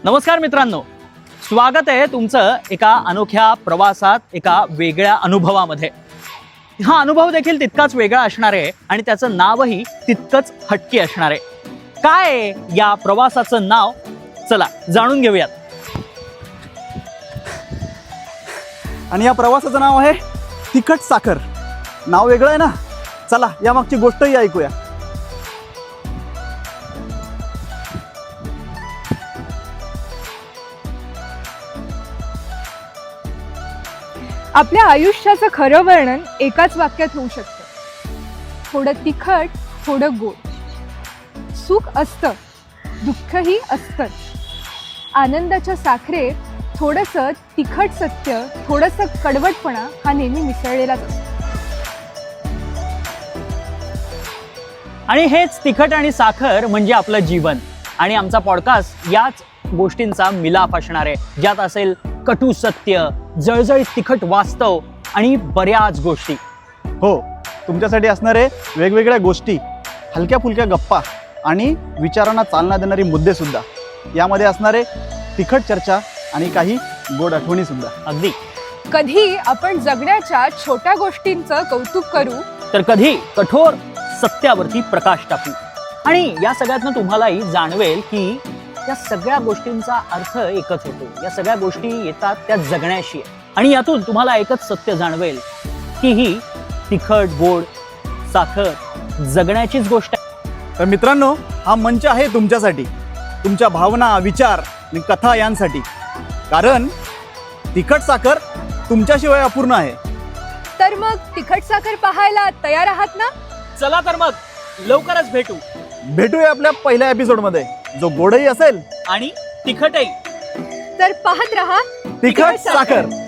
नमस्कार मित्रांनो, स्वागत आहे तुमचं एका अनोख्या प्रवासात, एका वेगळ्या अनुभवामध्ये. हा अनुभव देखील तितकाच वेगळा असणार आहे आणि त्याचं नावही तितकंच हटके असणार आहे. काय आहे या प्रवासाचं नाव? चला जाणून घेऊयात. आणि या प्रवासाचं नाव आहे तिखट साखर. नाव वेगळं आहे ना. चला या मागची गोष्टही ऐकूया. आपल्या आयुष्याचं खरं वर्णन एकाच वाक्यात होऊ शकतं. थोडं तिखट, थोडं गोड. सुख असतं, दुःखही असतं. आनंदाच्या साखरेत थोडंसं तिखट सत्य, थोडंसं कडवटपणा हा नेहमी मिसळलेलाच असतो. आणि हेच तिखट आणि साखर म्हणजे आपलं जीवन. आणि आमचा पॉडकास्ट याच गोष्टींचा मिलाप असणार आहे, ज्यात असेल कटू सत्य, जळजळीत तिखट वास्तव आणि बऱ्याच गोष्टी. हो, तुमच्यासाठी असणारे वेगवेगळ्या गोष्टी, हलक्या फुलक्या गप्पा आणि विचारांना चालना देणारी मुद्दे सुद्धा. यामध्ये असणारे तिखट चर्चा आणि काही गोड आठवणी सुद्धा. अगदी. कधी आपण जगण्याच्या छोट्या गोष्टींचं कौतुक करू, तर कधी कठोर सत्यावरती प्रकाश टाकू. आणि या सगळ्यातनं तुम्हालाही जाणवेल की या सगळ्या गोष्टींचा अर्थ एकच होतो. या सगळ्या गोष्टी येतात त्या जगण्याशी. आणि यातून तुम्हाला एकच सत्य जाणवेल की ही तिखट गोड साखर जगण्याचीच गोष्ट आहे. तर मित्रांनो, हा मंच आहे तुमच्यासाठी, तुमच्या भावना, विचार आणि कथा यांसाठी. कारण तिखट साखर तुमच्याशिवाय अपूर्ण आहे. तर मग तिखट साखर पाहायला तयार आहात ना? चला तर मग लवकरच भेटूया आपल्या पहिल्या एपिसोडमध्ये, जो गोडही असेल आणि तिखटही. तर पाहत रहा तिखट साखर.